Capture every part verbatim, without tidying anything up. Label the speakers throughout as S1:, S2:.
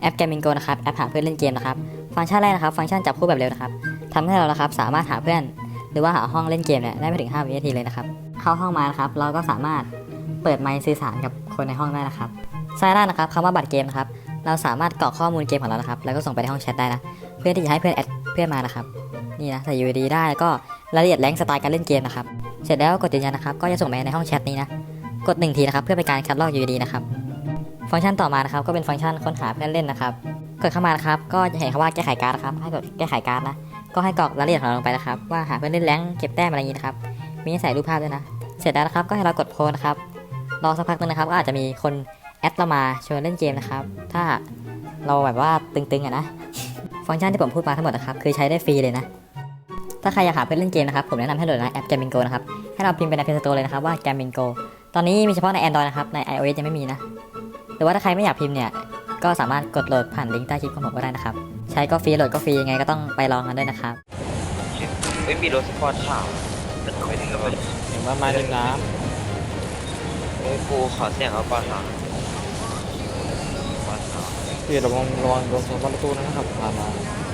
S1: แอป Gamingo นะครับแอปหาเพื่อนเล่นเกมนะครับฟังก์ชันแรกนะครับฟังก์ชันจับคู่แบบเร็วนะครับทำให้เรานะครับสามารถหาเพื่อนหรือว่าหาห้องเล่นเกมเนี่ยได้ไม่ถึงห้าวินาทีเลยนะครับเข้าห้องมานะครับเราก็สามารถเปิดไมค์สื่อสารกับคนในห้องได้นะครับซ้ายล่างนะครับคำว่าบัตรเกมนะครับเราสามารถกรอกข้อมูลเกมของเรานะครับแล้วก็ส่งไปในห้องแชทได้นะเพื่อที่จะให้เพื่อนแอดเพื่อนมานะครับนี่นะใส่ ยู ไอ ดี ได้แล้วก็รายละเอียดแรงสไตล์การเล่นเกมนะครับเสร็จแล้วกดยืนยันนะครับก็จะส่งไปในห้องแชทนี้นะกดหนึ่งทีนะครับเพื่อเป็นการคัดลอก ยู ไอ ดี นะครับฟังก์ชันต่อมานะครับก็เป็นฟังก์ชันค้นหาเพื่อนเล่นนะครับกดเข้ามานะครับก็จะเห็นคำว่าแก้ไขการ์ดนะครับให้กดแก้ไขการ์ดนะก็ให้กรอกรายละเอียดของเราลงไปนะครับว่าหาเพื่อนเล่นแรงเก็บแต้มอะไรอย่างนี้นะครับมีให้ใส่รูปภาพด้วยนะเสร็จแล้วนะครับก็ให้เรากดโพสนะครับรอสักพักนึงนะครับก็อาจจะมีคนแอดเรามาชวนเล่นเกมนะครับถ้าเราแบบว่าตึงๆอะนะฟังก์ชันที่ผมพูดมาทั้งหมดนะครับคือใช้ได้ฟรีเลยนะถ้าใครอยากหาเพื่อนเล่นเกมนะครับผมแนะนำให้โหลดนะแอป Gamingo นะครับให้เราพิมพ์ไปใน Play Store เลยนะครับว่า Gamingo ตอนนี้มีเฉพาะใน Android นะครับใน iOS ยังไม่มีนะหรือว่าถ้าใครไม่อยากพิมพ์เนี่ยก็สามารถกดโหลดผ่านลิงก์ใต้คลิปของผมก็ได้นะครับใช้ก็ฟรีโหลดก็ฟรียังไงก็ต้องไปลองกันด้วยนะครับ
S2: เฮ้ยมีรถสปอร์ตขาวมันไม่ถึงแล้วมัน
S3: เห็นว่ามาริมน้
S2: โอ้ยกูขอเสียงเอาปอร์ตขาวปอร์ตขาว
S3: ำพี่ระวังระวังโดนสวนประตูนะครับผ่านมา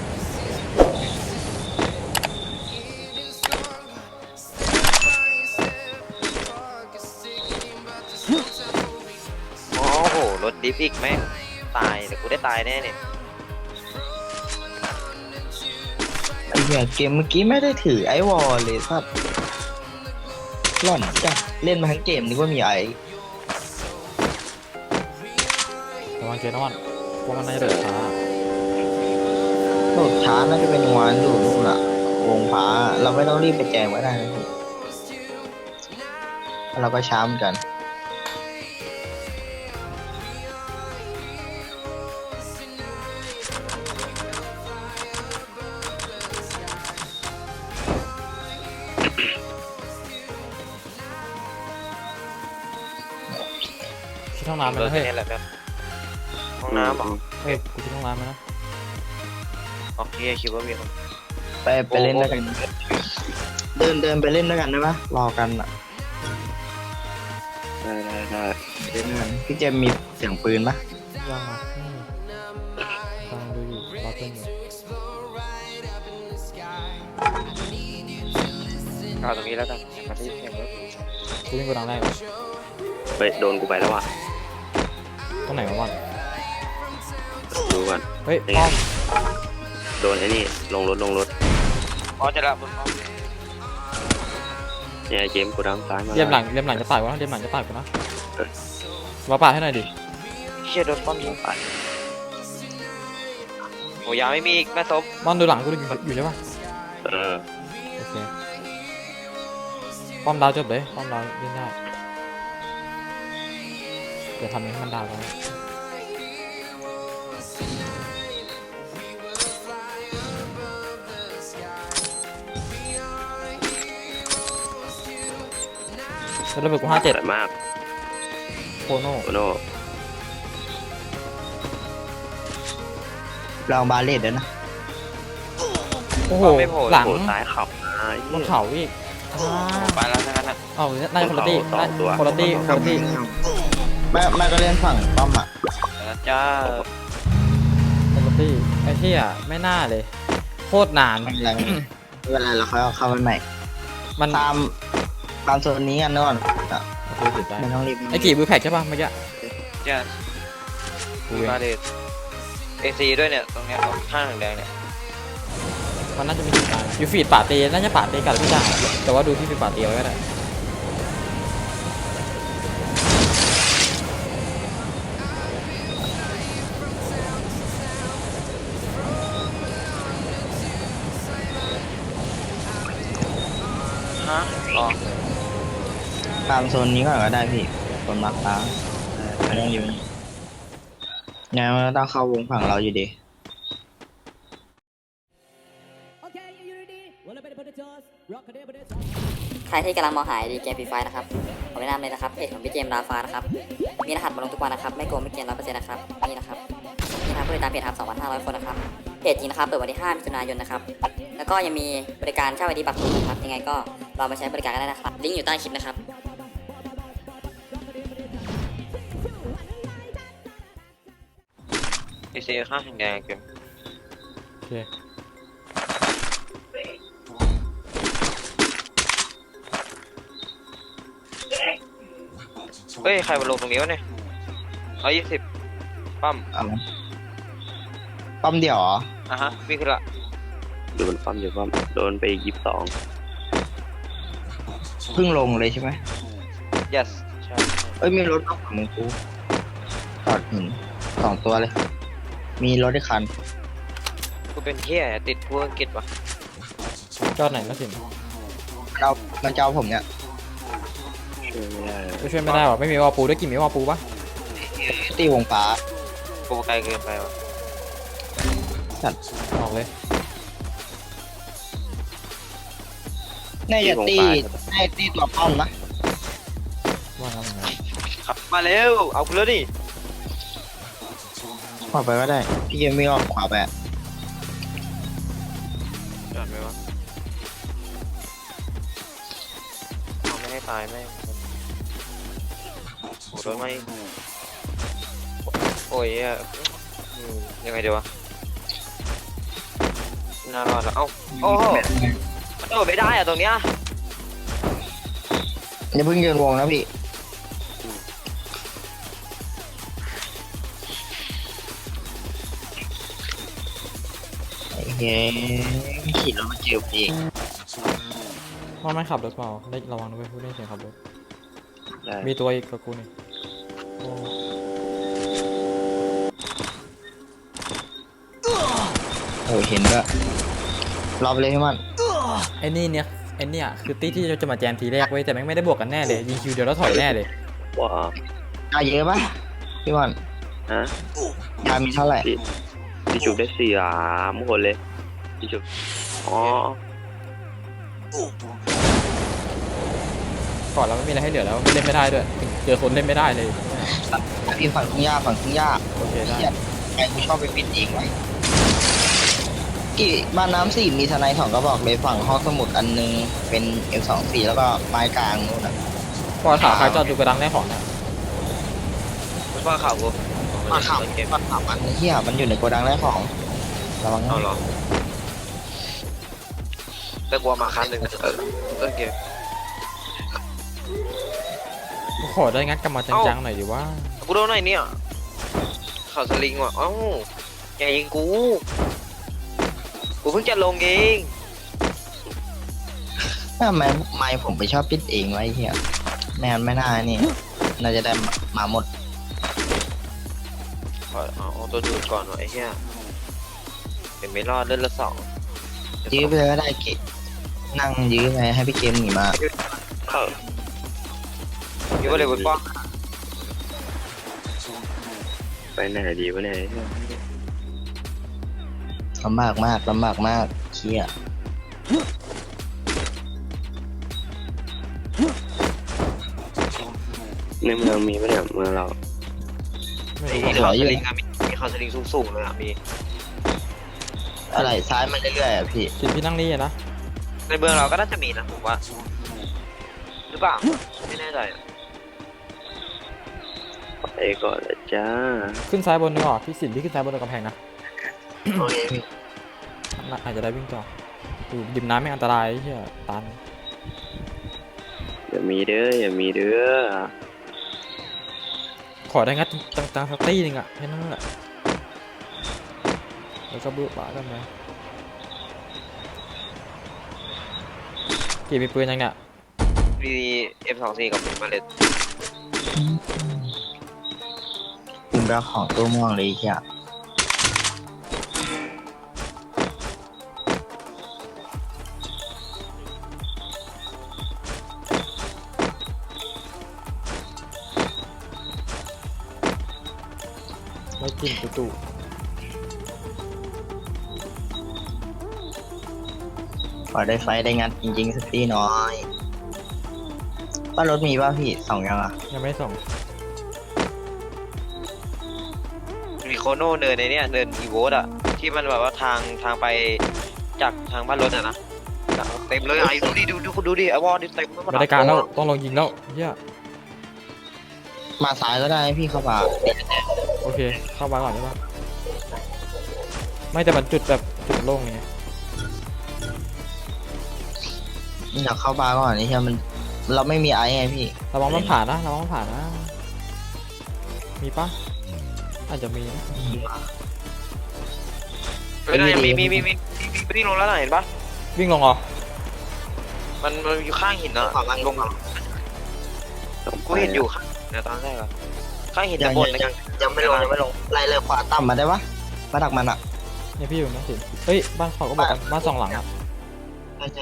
S2: โอ้โหรถดิฟอีกแม่งตายแต่กูได้ตายแน่เนี่ย
S4: ไอ้เหี้ยเกมเมื่อกี้ไม่ได้ถือไอวอลเลยครับหล่อนจังเล่นมาทั้งเกมนึกว่ามีไอ
S3: ระวังเจนวันเพราะมันน่าจะเดือดช้า
S4: โหลดช้าน่าจะเป็นวานดูนู่นอะวงฟ้าเราไม่ต้องรีบไปแจงไว้ได้นะพี่เราก็ช้าเหมือนกัน
S3: คิดห้องน้ำไหม
S2: รถ
S3: นะเฮ้ย
S2: นี่แหละครับห้องน้ำเหรอ
S3: เฮ้ยกูคิดห้องน้ำไหมนะ
S2: โอเคคิดว่ามีคน
S4: ไปไปเล่นด้วยกันเดินเดินไปเล่นด้วยกันได้ปะรอกันอะ
S2: ได้ได้ได้
S4: เล่นด้วยกันพี่เจมส์มีเสียงปืนปะ
S3: ยังอ่ะอืมฟังดูอยู่รอเพื่อนอยู่
S2: เอาตรงนี้แล้วกันมาที่เสียงรถ
S3: กูวิ่งกูดังแรก
S5: ไปโดนกูไปแล้วว่ะ
S3: ตรงไหนวะวัน
S5: ดูก่อน
S3: เฮ้ยป้อม
S5: โดนไอ้นี่ลงรถลงรถ
S2: อ๋อจะละบนห้อง
S5: เนี่ยเจมส์กูดังซ้ายมา
S3: เรียมหลังเรียมหลังจะปาดกูนะเรียมหลังจะปาดกูนะมาปาดให้หน่อยดิ
S2: เชี่ยโดนป้อมยิงไปโอ้ยาไม่มีอีกแม่ซบ
S3: มอนดูหลังกูอยู่อยู่ใช่ปะ
S5: เออ
S3: โอเคป้อมดาวจบเลยป้อมดาวเล่นได้เดี๋ยวทำให้มันดาวกันแล้วระเบิดกูห้าเจ็ด
S5: สวยมาก
S3: โคโน่
S5: โอโน่
S4: ลองบาเลตเดี๋ยวนะ
S3: โอ้โห
S2: ไม่โผล่
S3: หลัง
S5: โผล่ซ้ายเขับไอ้
S3: บนเขาอีกอ่า
S2: ไปแล้วทั้งนั้นนะ
S3: เอ้าน่าจะคนละตี้
S5: สองตัว
S3: คนละตี้คนละตี้
S4: แม่แม่ก็เล่นฝั่งป้อมอะ
S2: แล้วจ้า
S3: คนละตี้ไอ้เหี้ยไม่น่าเลยโคตรนาน
S4: ไม่เป็นไรไม่เป็นไรเราค่อยเอาเข้าไปใหม่
S3: มัน
S4: ตามตามโซนนี้กันก่อนอะ
S3: โอเคติดได้
S4: ไม่ต้องรีบ
S3: ไอ้กี่บูแพ็กใช่ป่ะเมื่อกี้
S2: จ้า
S3: กู
S2: มี
S3: เอง
S2: มาเลยเอซีด้วยเนี่ยตรงเนี้ยข้างแดงเนี่ย
S3: มันน่าจะมีติดตายอยู่ฟีดป่าเตน่าจะป่าเตกับพี่จ่าแต่ว่าดูที่ฟีดป่าเตไว้ก็ได้
S2: ฮะอ๋อ
S4: ตามโซนนี้ก่อนก็ได้พี่โซนมาร์คฟ้าไม่ต้องอยู่นี่ไงมันก็ต้องเข้าวงฝั่งเราอยู่ดี
S1: ใครที่กำลังมองหาดีเกมฟรีไฟนะครับผมแนะนำเลยนะครับเพจของพี่เจมส์ราฟานะครับมีรหัสมาลงทุกวันนะครับไม่โกงไม่เกินร้อยเปอร์เซ็นต์นะครับนี่นะครับนี่นะครับผู้ติดตามเพจครับสองพันห้าร้อยคนนะครับเพจจริงนะครับเปิดวันที่ห้ามิถุนายนนะครับแล้วก็ยังมีบริการเช่าไอดีบัตรคุณนะครับยังไงก็ลองมาใช้บริการกันได้นะครับลิงก์อยู่ใต้คลิปนะครับ
S2: พีซีค่าแดงเกม
S3: โอเค
S2: เฮ้ยใครมาลงตรงนี้วะเนี่ยร้อยยี่สิบปั๊ม
S4: เอาปั๊มเดียวเหรอ
S2: อ่ะฮะวิ่งขึ้นละ
S5: โดนปั้มอยู่ปั้มโดนไปยี่สิบสอง
S4: เพิ่งลงเลยใช่ไหม
S2: yes ใช่
S4: เอ้ยมีรถมาฝั่งมึงกูจอดหินสองตัวเลย มีรถอีกคัน
S2: กูเป็นเฮียติดพวกอังกฤษวะ
S3: จอดไหนนะสิน
S4: เรามันจะเอาผมเนี่ย
S5: ช่วยไม่ได้
S3: ก็ช่วยไม่ได้หรอไม่มีวอลปูด้วยกี่มีวอลปูปะ
S4: ตีวงฟ้า
S2: กูไกลเกินไปวะ
S3: ออกเลย
S4: น่าจะตีน่าจะตีตัวป้อมนะ
S3: ว่างั้นนะ
S2: ขับมาเร็วเอากูแล้วดิ
S4: ขวาไปก็ได้ พี่ยังไม่ออกขวาไปอะ
S2: จอดไหมวะเอาไม่ให้ตายแม่งโอ้โดนไหมโอ้ยอ่ะอืมยังไงดีวะน่ารอดแล้วเอ้าโอ้โหมันโดดไม่ได้อะตรงเนี้ย
S4: อย่าเพิ่งยืนวงนะพี่ไอ้เฮ้ยขี่รถมาเจอพี่
S3: ว่าไม่ขับรถเปล่าได้ระวังด้วยพูดได้เสียงขับรถ
S5: ได้
S3: มีตัวอีกกับกูนี่โอ้
S4: โอ้เห็นก็รอบเลยให้มัน
S3: ไอ้นี่เนี่ยไอ้เนี่ยคือตี้ที่จะมาแจมทีแรกเว้ยแต่แม่งไม่ได้บวกกันแน่เลยยิงคิวเดียวแล้วถอยแน่เลย
S5: ว้า
S4: เอาเยอะปะพี่บอล
S5: ฮะ
S4: ยามีเท่าไหร่
S5: พี่พี่จุกได้สี่สามคนเลยพี่จุกอ๋อ
S3: ก่อนเราไม่มีอะไรให้เหลือแล้วไม่เล่นไม่ได้ด้วยเจอคนเล่นไม่ได้เลย
S4: พี่ฝั่งทุ่งหญ้าฝั่งทุ่งหญ้า
S3: โอเคได้
S4: เหี้ยไอ้กูชอบไปปิดเองไว้กี่บ้านน้ำสี่มีทนายสองกระบอกเลยฝั่งห้องสมุดอันนึงเป็น เอ็ม สองสี่ แล้วก็ไม้กลางนู่นน่ะ
S3: พอถามใครจอดดูกระดังได้ของเนี่ย
S2: มันว่าข่าวกู
S4: มาขับ
S2: เกม
S4: มาขับมันเหี้ยมันอยู่ในโกดังแรกของระวังนะ
S2: เอาเหรอแต่กลัวมาคันหนึ่งเออเออเกม
S3: ขอได้งัดกลับมาจังๆหน่อยดิว่า
S2: กูโดนไหนเนี่ยข่าวสลิงว่ะเอ้าอย่ายิงกูกูเพิ่งจะลงเอง
S4: ทำไมไม่ผมไปชอบปิดเองไว้เหี้ยแมนไม่น่านี่น่าจะได้มาหมด
S2: ขอเอาเอาตัวดูดก่อนวะไอ้เหี้ยเห็นไม่รอดเล่นละสอง
S4: ยื้อไปเลยก็ได้เกนั่งยื้อไปให้พี่เกมหนีมา
S5: เข้า
S2: คิดว่าเลยบนป้อม
S5: ไปไหนดีวะเนี่ย
S4: ลำบากมากลำบากมากเชี่ย
S5: ในเมืองมีปะเนี่ยเมืองเรา
S3: ไม่
S2: ไอ้
S3: รู้ว่า
S2: ข่าวสลิงอะมีมีข่าวสลิงสูงๆเลยอะมี
S4: อะไรซ้ายมาเรื่อยๆอ่ะพี่
S3: สิพี่นั่งนี่อะนะ
S2: ในเมืองเราก็น่าจะมีนะผมว่าหรือเปล่าไม่แน่ใจอะ
S5: ไปก่อนเลยจ้า
S3: ขึ้นซ้ายบนดีกว่าพี่สินพี่ขึ้นซ้ายบนกำแพงนะ
S4: โอเคพี่
S3: น่าอาจจะได้วิ่งต่ออยู่ดิมน้ำไม่อันตรายไอ้เหี้ยตัน
S5: อย่ามีเด้ออย่ามีเด้อ
S3: ขอได้งัดตังๆสักตี้หนึงอะแค่นั้นแหละแล้วก็บื้อปะกันไปกี่มีปืนยังเนี่ย
S2: มี เอ็ม สองสี่ กับผมมาเลย
S4: คุณไปเอาของตัวม่วงเลยไอ้เชี่ย
S3: ไม่กินตู่
S4: ขอได้ไฟได้งานจริงๆสักทีน้อยป้ารถมีป่ะพี่สองยังอ่ะ
S3: ๆยังไม่ส่ง
S2: มีโคโน่เนินในเนี้ยเนินอีโวตอะที่มันแบบว่าทางทางไปจากทางบ้านรถอะนะเต็มเลยไอ้ดูดิดูดูดูดิไอ้วอลดิเต็ม
S3: ไม่ได้การแล้วต้องลองยิงแล้วเหี้ย
S4: มาซ้ายก็ได้พี่เข้ามา
S3: โอเคเข้ามาก่อนได้ปะไม่แต่มันจุดแบบจุดโล่งไง
S4: อยากเข้าบาร์ก่อนนี่ใช่มันเราไม่มีไอซ์ไงพี่
S3: ระวังมันผ่านนะระวังมันผ่านนะมีปะอาจจะมีนะ
S2: เฮ้ยมีมีมีมีมีวิ่งลงแล้วน่ะเห็นปะ
S3: วิ่งลงเหรอ
S2: มันมันอยู่ข้างหินอ่ะ
S4: ฝั่งล่าง
S2: ลงมากูเห็นอยู่ข้างนะตอนแรกอะข้างหิน
S4: ยั
S2: จะ
S4: ง
S2: บน
S4: ยังยังไม่ลงยังไม่ลงไล่เลยขวาต่ำมาได้ปะมาดักมันอ่ะ
S3: เนี่ยพี่อยู่นะสิเฮ้ยบ้านเขาก็บอกกันบ้านสองหลังอ่ะ
S4: ใช่ใช่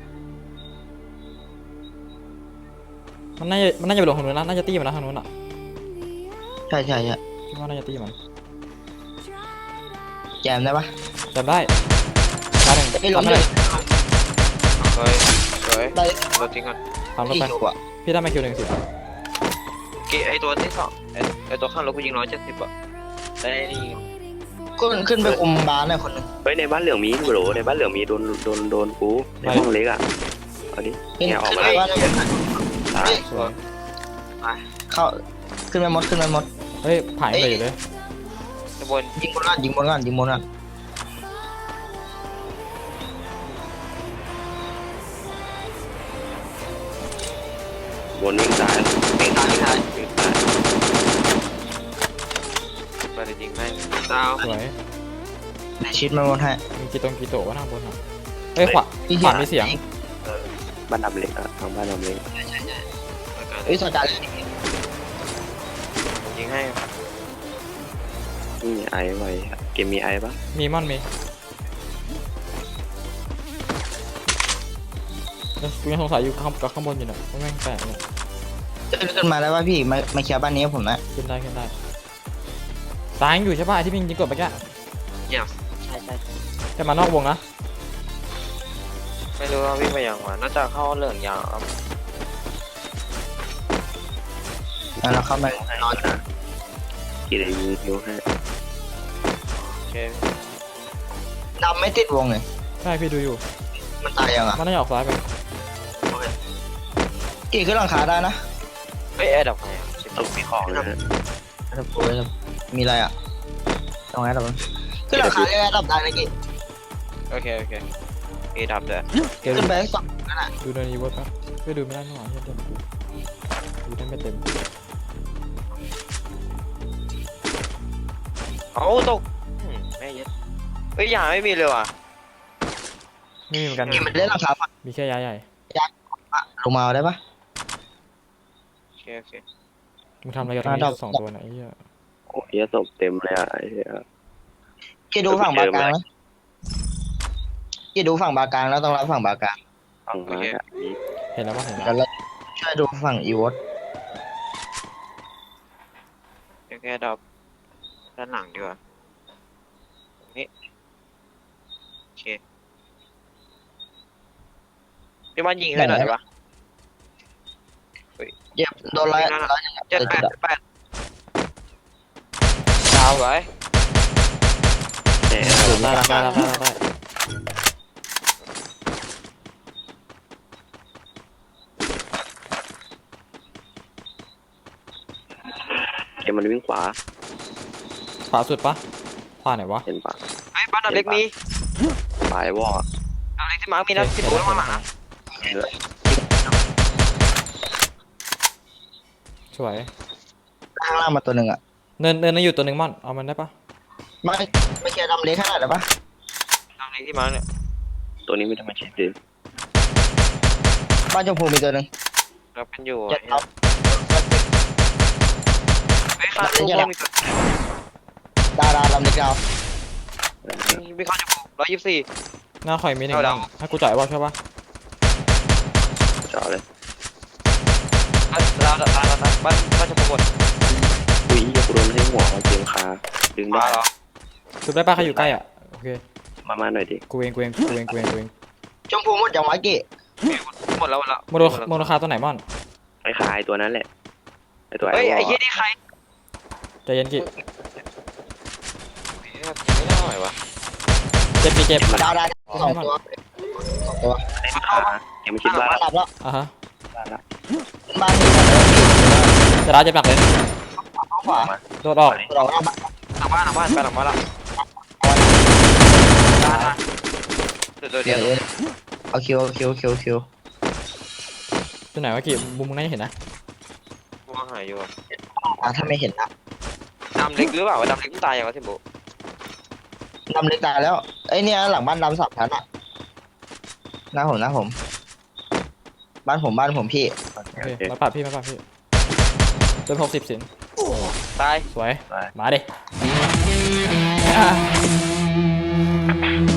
S3: มันน่าจะมันน่าจะไปลงทางนู้นนะน่าจะตีมันนะทางนู้นอ่ะ
S4: ใช่ใช่ใช่
S3: คิดว่าน่าจะตีมัน
S4: แจมได้ปะ
S3: จำได้ตาหนึ่ง
S4: ไม่ลง
S3: ทำ
S4: เล
S3: ได้
S4: ย
S2: เฮ้ยเฮ้ย
S4: ได้
S2: รถทิ้งก่อน
S3: ทำรถ
S4: ที่
S3: ไป
S4: อยู่อ่ะ
S3: พี่ได้มาคิวหนึ่งสิ
S2: เกไอตัวที่สองไอไอตัวข้างรถกูยิงร้อยเจ็ดสิบอ่ะได้นี่
S4: ขึ้นขึ้นไปคุมบาร์หน่อยคนหนึง
S5: เฮ้ยในบ้านเหลืองมีโบรในบ้านเหลืองมีโดนโดนโดนกูในห้องเล็กอ่ะเอาดิ
S4: ขึ้น
S5: เนี่ยออก
S4: ขึ้น
S5: มา
S4: ไปว่า
S5: ตาย
S3: สวย
S4: เข้าขึ้นไปหมดขึ้นไปหมด
S3: เฮ้ยผ่านไปอยู่เลย
S2: จะบน
S4: ยิงบนก่อนยิงบนก่อนยิงบนก่อน
S5: บนวิ่งซ้าย
S4: ไม่ตายไม่ตาย
S5: วิ่งซ้าย
S2: มาจะยิงแม่งดาว
S3: สวย
S4: ชิดมาบนให้
S3: มีกีตงกีโตะว่าทางบนอ่ะเฮ้ยขวาขวามีเสียง
S5: บ้านดำเล็กอ่ะทางบ้านดำเล็ก
S4: เอ้ยสกัด
S2: ยิงให้
S5: นี่ไอไว้เกมมีไอปะ
S3: มีม่อนมีแล้วกูยังสงสัยอยู่ข้างกับข้างบนอยู่เนี่ยว่าแม่งแปลกเนี่ย
S4: ขึ้นมาได้ป่ะพี่มามาเคลียร์บ้านนี้ให้ผมนะ
S3: ขึ้นได้ขึ้นได้ตายยังอยู่ใช่ป่ะไอ้ที่พี่ยิงกดไปแก
S2: เยี่ยมใช่ใช่
S3: จะมานอกวงนะ
S2: ไม่รู้ว่าวิ่งไปยังวะน่าจะเข้าเหลืองยาวครับ
S4: แล้วเราเข้าไปนอน
S5: นะกี่เลยยิงคิวให้
S2: โอเค
S4: ดำไม่ติดวงเลย
S3: ใช่พี่ดูอยู่
S4: มันตายยังอ่ะ
S3: มันน่าจะออกซ้ายไป
S4: กี่ขึ้นหลังคาได้นะ
S2: เฮ้ยแอร์ดับไงอ่ะ
S5: ต้องมีของนะฮะ
S4: ครับโอ้ยมีอะไรอ่ะตรงไหนดับขึ้นหลังคาได้ไหมดับได้นะกี่
S2: โอเคโอเคเอดับเด้อ
S3: เกม
S4: ขึ้นไปสองนั่นแหละ
S3: ดูในอีเวิร์ดปะไม่ดูไม่ได้หน่อยเฮียเต็มกูดูได้ไม่เต็ม
S2: เอาตกอืมไม่เย็ดเฮ้ยยาไม่มีเลยว่ะ
S3: ไม่มีเหมือนกัน
S4: กี่มันเล่นหลังคาฝั่ง
S3: มีแค่ยาใหญ่
S4: ลงมาได้ปะ
S2: โอเคโอเค
S3: มึงทำอะไรกับตรง
S4: อ่าดอก
S3: นี้สองตัวไหนะไอ้เหี้ย
S5: โอ้ยศพเต็มเลยอ่ะไอ้เหี้ย
S4: กี่ดูฝั่งบากลางนะกี่ดูฝั่งบากลางแล้วต้องรับฝั่งบากลาง
S5: ฟังมาอ่ะมี
S3: เห็นแล้วปะเห็น
S4: เดี๋
S3: แล้
S4: ยว วเราช่วยดูฝั่งอีวอต
S2: โอเคดับด้านหลังดีกว่านี่โอเคพี่มันยิงให้หน่อยได้ปะ
S4: เย็บโดนร้อยร้อย
S2: เจ็ดแปดแปดดาวไว้
S5: เนี่ย
S3: ได้ได้ได้ได้ได้
S5: เกมมันวิ่งขวา
S3: ขวาสุดปะขวาไหนวะ
S5: เห็นปะ
S2: ไอ้บ้านดับเล็กมี
S5: ปลายวอล
S2: ดับเล็กที่มาร์คมีนะที่ตัวข้างหลังนะ
S3: สวย
S4: ข้างล่างมาตัวหนึ่งอ่ะ
S3: เนินเนินนั่นอยู่ตัวหนึ่งม่อนเอามันได้ปะ
S4: ไม่ไม่เคลียร์ดำเล็กขนาดได้ปะ
S2: ดับเล็กที่มาร์คเนี่ย
S5: ตัวนี้ไม่ได้มาเช็คดิ
S4: บ้านชมพูมีตัวหนึ่ง
S2: เราเป็นอยู่
S4: เจ็ดเอา
S2: ไอ้ข้างลูกมีตัว
S4: ดาวดาวดำเล็กดาว
S2: มีข้างจะร้อยยี่สิบสี่
S3: หน้าข่อยมีหนึ่ง
S2: เอาดาว
S3: ม่อนให้กูจ่ายว่าใช่ปะ
S5: เจาะเลย
S2: ดาวดาวดาวดาวบ้านบ้านจะปรากฏ
S5: อุ้ยกูโดนให้หัวเกมคาดึงได้
S2: มาเหรอ
S3: สุดได้ปะใครอยู่ใกล้อ่ะโอเค
S5: มามาหน่อยดิ
S3: กูเองกูเองกูเองกูเองกูเอง
S4: ชมพูหมดอย่างไว้กี่
S2: หมดแล้วหมดแล้ว
S3: โมโนโมโนคาตัวไหนม่อน
S5: ไอ้คายตัวนั้นแหละไอ้ตัวไอ้
S2: เฮ้ยว
S5: อ
S2: ไอ้
S5: ล
S2: เหี้ยนี่ใคร
S3: ใจเย็นกิ
S2: ไม่ได้วะ
S3: เจ็บมีเจ็บ
S4: ดาวดาวสองตัวสองตัว
S5: ไอ้ขวายังไม่คิดว่า
S4: บ้านดับแล้ว
S3: อ่ะฮะ
S4: บ้านนี้หมดเลย
S3: จะร้ายเจ็บหนักเลย
S4: ขวา
S3: โดดออก
S4: เราเอาบ้าน
S2: หลังบ้านหลังบ้านไปหลังบ้านละตายตายตัวตัวเดี
S4: เดี๋
S2: ย
S4: ยว วเอาคิวเอาคิวคิวคิว
S3: ตัวไหนวะกี่มุมมึงน่าจะเห็นนะ
S2: มองหายอยู่อะ
S4: อ่ะถ้าไม่เห็นนะ
S2: ดำเล็กหรือเปล่าวะดำเล็กมันตายยังวะเทมโบ
S4: ดำเล็กตายแล้วไอ้เนี่ยหลังบ้านดำสามชั้นอ่ะหน้าผมหน้าผม บ้านผมบ้านผมพี่
S3: โอเคมาปาดพี่มาปาดพี่เริ่มหกสิบสิน
S2: ตาย
S3: สวย
S5: ไป
S3: มาดิ